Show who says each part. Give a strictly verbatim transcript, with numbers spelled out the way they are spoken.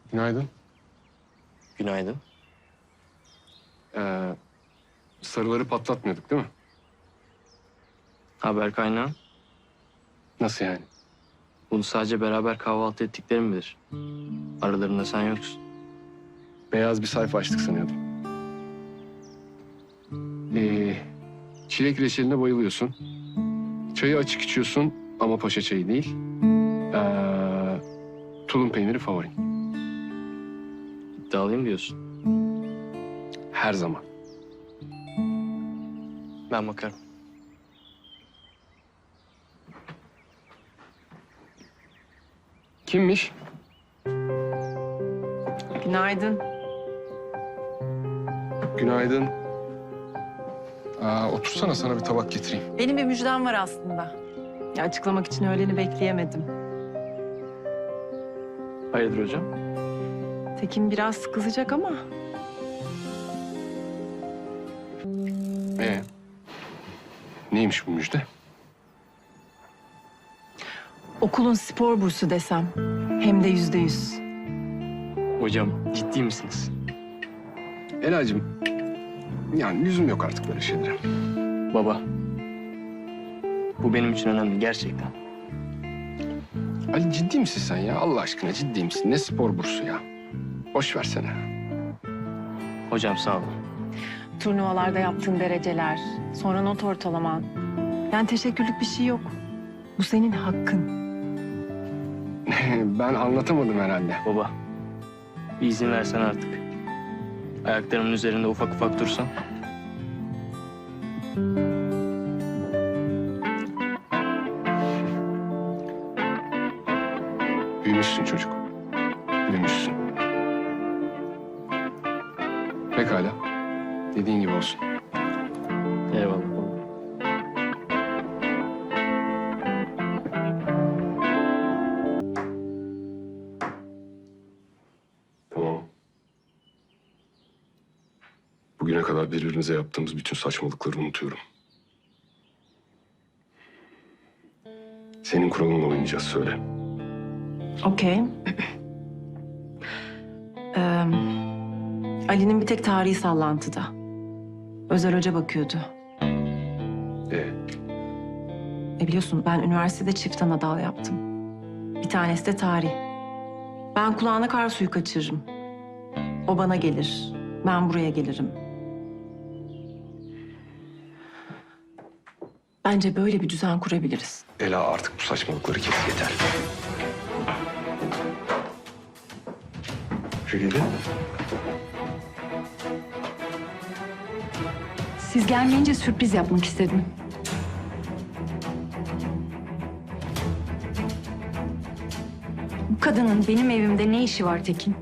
Speaker 1: Günaydın.
Speaker 2: Günaydın.
Speaker 1: Ee, sarıları patlatmıyorduk değil mi?
Speaker 2: Haber kaynağı.
Speaker 1: Nasıl yani?
Speaker 2: Bunu sadece beraber kahvaltı ettiklerim bilir. Aralarında sen yoksun.
Speaker 1: Beyaz bir sayfa açtık sanıyordum. Ee, çilek reçeline bayılıyorsun. Çayı açık içiyorsun ama paşa çayı değil. Ee, tulum peyniri favorin.
Speaker 2: İddialıyım diyorsun.
Speaker 1: Her zaman.
Speaker 2: Ben bakarım.
Speaker 1: Kimmiş?
Speaker 3: Günaydın.
Speaker 1: Günaydın. Aa, otursana, sana bir tabak getireyim.
Speaker 3: Benim bir müjdem var aslında. Ya açıklamak için öğleni bekleyemedim.
Speaker 2: Hayırdır hocam?
Speaker 3: Tekin biraz kızacak ama
Speaker 1: Ee, neymiş bu müjde?
Speaker 3: okulun spor bursu desem. Hem de yüzde yüz.
Speaker 2: Hocam ciddi misiniz?
Speaker 1: Elacığım, yani lüzum yok artık böyle şeylere.
Speaker 2: Baba. Bu benim için önemli gerçekten.
Speaker 1: Ali, ciddi misin sen ya? Allah aşkına ciddi misin? Ne spor bursu ya? Boş versene.
Speaker 2: Hocam sağ olun.
Speaker 3: Turnuvalarda yaptığın dereceler, sonra not ortalaman. Yani teşekkürlük bir şey yok. Bu senin hakkın.
Speaker 1: Ben anlatamadım herhalde.
Speaker 2: Baba. Bir izin versen artık. Ayaklarımın üzerinde ufak ufak dursan.
Speaker 1: Büyümüşsün çocuk. Büyümüşsün. Pekala. Dediğin gibi olsun.
Speaker 2: Eyvallah baba.
Speaker 1: Tamam. Bugüne kadar birbirimize yaptığımız bütün saçmalıkları unutuyorum. Senin kuralınla oynayacağız, söyle.
Speaker 3: Okey. Ee, Ali'nin bir tek tarihi sallantıda. Özel hoca bakıyordu.
Speaker 1: Ee,
Speaker 3: E biliyorsun ben üniversitede çift ana dal yaptım. Bir tanesi de tarih. Ben kulağına kar suyu kaçırırım. O bana gelir. Ben buraya gelirim. Bence böyle bir düzen kurabiliriz.
Speaker 1: Ela, artık bu saçmalıkları kes, yeter. Feride.
Speaker 4: Siz gelmeyince sürpriz yapmak istedim. Bu kadının benim evimde ne işi var Tekin?